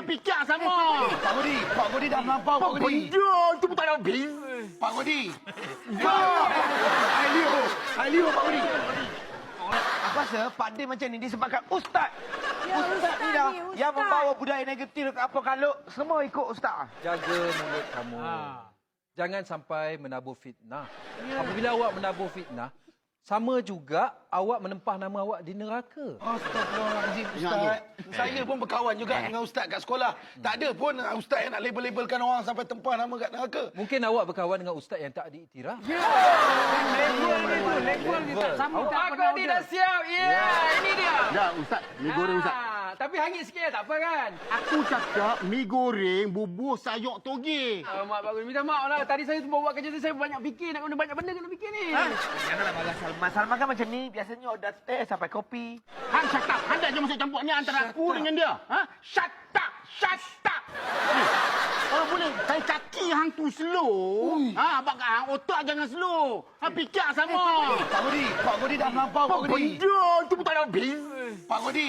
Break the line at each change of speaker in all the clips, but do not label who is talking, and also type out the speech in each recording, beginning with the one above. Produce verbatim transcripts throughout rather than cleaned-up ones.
fikir sama.
Pak Godi, Pak Godi dah melampau, Pak Godi.
Benda tu pun tak ada habis.
Pak Godi. Ailio, Ailio, Pak Godi. Aku rasa Pak Din macam ni disebabkan Ustaz.
Ya,
Ustaz,
Ustaz
ni dah
ni, Ustaz.
yang membawa budaya negatif ke apa kalau semua ikut Ustaz.
Jaga mulut kamu.
Ha.
Jangan sampai menabur fitnah. Apabila awak menabur fitnah, sama juga awak menempah nama awak di neraka.
Astagfirullahaladzim, Ustaz. Saya pun berkawan juga dengan Ustaz kat sekolah. Tak ada pun Ustaz yang nak label-labelkan orang sampai tempah nama kat neraka.
Mungkin awak berkawan dengan ustaz yang tak diiktiraf.
Level ni tu, level ni tak sama. Tak
Pak Godi dah siap. Ya, ini dia.
Dah, Ustaz. Mi goreng, Ustaz.
Ah, tapi hangit sikit tak apa kan?
Aku cakap mi goreng bubur sayur toge.
Oh, mak Pak Godi, minta maaf lah. Tadi saya semua buat kerja tu, saya banyak fikir. Nak guna banyak benda kena fikir ni.
Janganlah marah Salman. Salman kan macam ni. Biasanya order teh sampai kopi.
Hang shut up. Hang jangan masuk campur ni antara aku dengan dia. Ha? Shut up. Shut up. Ni. Kalau boleh, saya caki hang tu slow. Ha, abang hang otak jangan slow. Ha, fikir sama.
Pak Godi, Pak Godi dah melampau, Pak Godi.
Benda tu pun tak ada habis.
Pak Godi.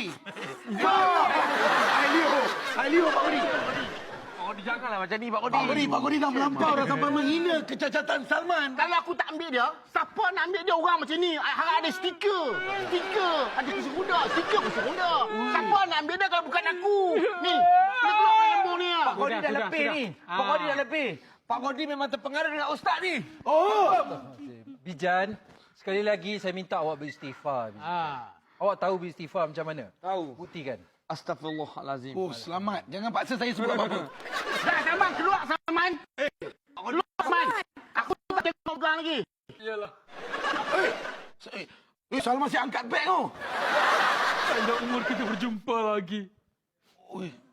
Ailio, Ailio, Pak Godi.
Oh, janganlah macam ni, Pak Godi.
Pak Godi, Pak Godi dah melampau dah sampai menghina kecacatan Salman.
Kalau aku tak ambil dia, siapa nak ambil dia orang macam ni? Hang ada stiker. Stiker. Ada kursi roda. Stiker kursi roda. Siapa nak ambil dia kalau bukan aku? Ni. Dia keluar dari lembung ni.
Pak Godi
Sudah,
dah
sudah,
lebih
sudah.
ni.
Ah.
Pak Godi dah lebih. Pak Godi memang terpengaruh dengan Ustaz ni.
Oh. Bijan, sekali lagi saya minta awak beristighfar. Bijan.
Ah.
Awak tahu beristighfar macam mana?
Tahu.
Buktikan.
Astagfirullahalazim.
Oh, selamat. Jangan paksa saya sebut apa-apa.
Dah, Saman. Keluar, Saman. Keluar, Saman. Aku tak tengok kau lagi.
Iyalah.
Eh, eh, eh, Salman si angkat beg tu.
Ada umur kita berjumpa lagi.
Oi,